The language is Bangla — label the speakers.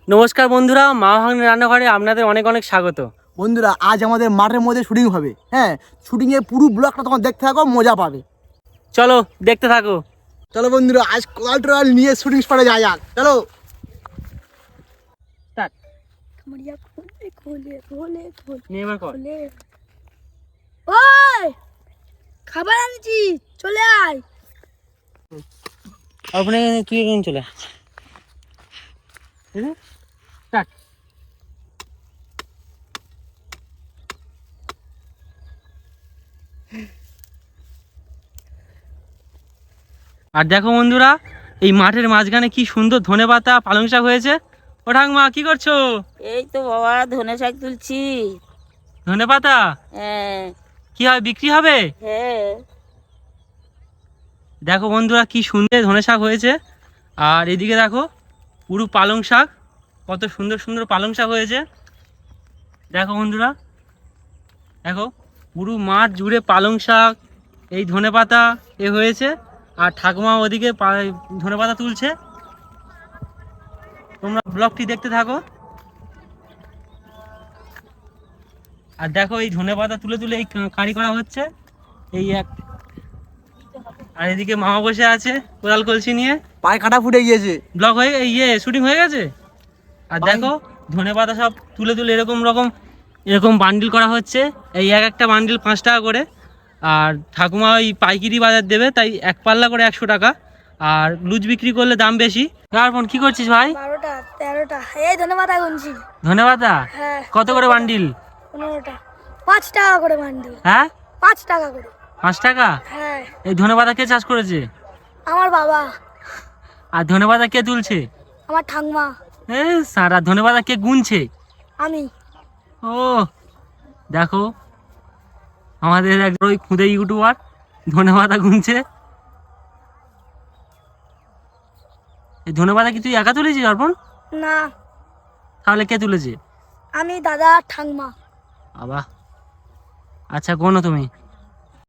Speaker 1: নমস্কার বন্ধুরা, মা ভাগ্নের রান্নাঘরে আপনাদের অনেক অনেক স্বাগত।
Speaker 2: বন্ধুরা, আজ আমাদের মাঠের মধ্যে শুটিং হবে। হ্যাঁ, শুটিংয়ের পুরো ব্লগটা তোমার দেখতে থাকো, মজা পাবে।
Speaker 1: চলো দেখতে থাকো।
Speaker 2: চলো বন্ধুরা, আজ কোয়াল টোয়াল নিয়ে শুটিং স্পটে যাওয়া যাক। চলো।
Speaker 3: ওই খাবার আনছি, চলে আয়।
Speaker 1: আপনি তুই এখন চলে আর দেখো বন্ধুরা, এই মাঠের মাঝখানে কি সুন্দর ধনেপাতা পালং শাক হয়েছে। ও ঠাকুমা, কি করছো?
Speaker 3: এই তো বাবা ধনে শাক তুলছি।
Speaker 1: ধনেপাতা
Speaker 3: হ্যাঁ
Speaker 1: কি হয়, বিক্রি হবে?
Speaker 3: হ্যাঁ।
Speaker 1: দেখো বন্ধুরা, কি সুন্দর ধনে শাক হয়েছে। আর এদিকে দেখো পুরো পালং শাক, কত সুন্দর সুন্দর পালং শাক হয়েছে। দেখো বন্ধুরা, দেখো পুরো মাঠ জুড়ে পালং শাক, এই ধনেপাতা এ হয়েছে। আর ঠাকুমা ওদিকে ধনেপাতা তুলছে। তোমরা ব্লগটি দেখতে থাকো। আর দেখো এই ধনেপাতা তুলে তুলে এই কাঁড়ি করা হচ্ছে। এই এক, আর এদিকে মামা বসে আছে কোদাল কলসি নিয়ে।
Speaker 2: পায়ে কাটা ফুটে গিয়েছে।
Speaker 1: ব্লগ হয়ে শুটিং হয়ে গেছে। আর দেখো ধনেপাতা সব তুলে তুলে এরকম বান্ডিল করা হচ্ছে। এই এক একটা বান্ডিল 5 টাকা করে। আর ঠাকুমা ওই পাইকারি বাজার দেবে, তাই এক পাল্লা করে 100 টাকা। আর লুজ বিক্রি করলে দাম বেশি। তারপর কি করছিস ভাই?
Speaker 3: 12টা 13টা এই ধনে পাতা গুনছি।
Speaker 1: ধনেপাতা
Speaker 3: হ্যাঁ।
Speaker 1: কত করে বান্ডিল?
Speaker 3: 15টা 5 টাকা করে বান্ডিল।
Speaker 1: হ্যাঁ,
Speaker 3: 5 টাকা করে।
Speaker 1: 5 টাকা।
Speaker 3: হ্যাঁ,
Speaker 1: এই ধনেপাতা কে চাষ করেছে?
Speaker 3: আমার বাবা।
Speaker 1: আর ধনেপাতা কে তুলছে?
Speaker 3: আমার ঠাকুমা।
Speaker 1: সারা ধনেপাতা কে গুনছে?
Speaker 3: আমি।
Speaker 1: ও দেখো, আমাদের একজন ওই খুদে ইউটিউবার ধনেপাতা গুনছে। এই ধনেপাতা কি তুই একা তুলেছিস অর্পণ?
Speaker 3: না,
Speaker 1: তাহলে কে তুলেছে?
Speaker 3: আমি, দাদা, ঠাকুমা।
Speaker 1: বাবা, আচ্ছা, গোনো তুমি।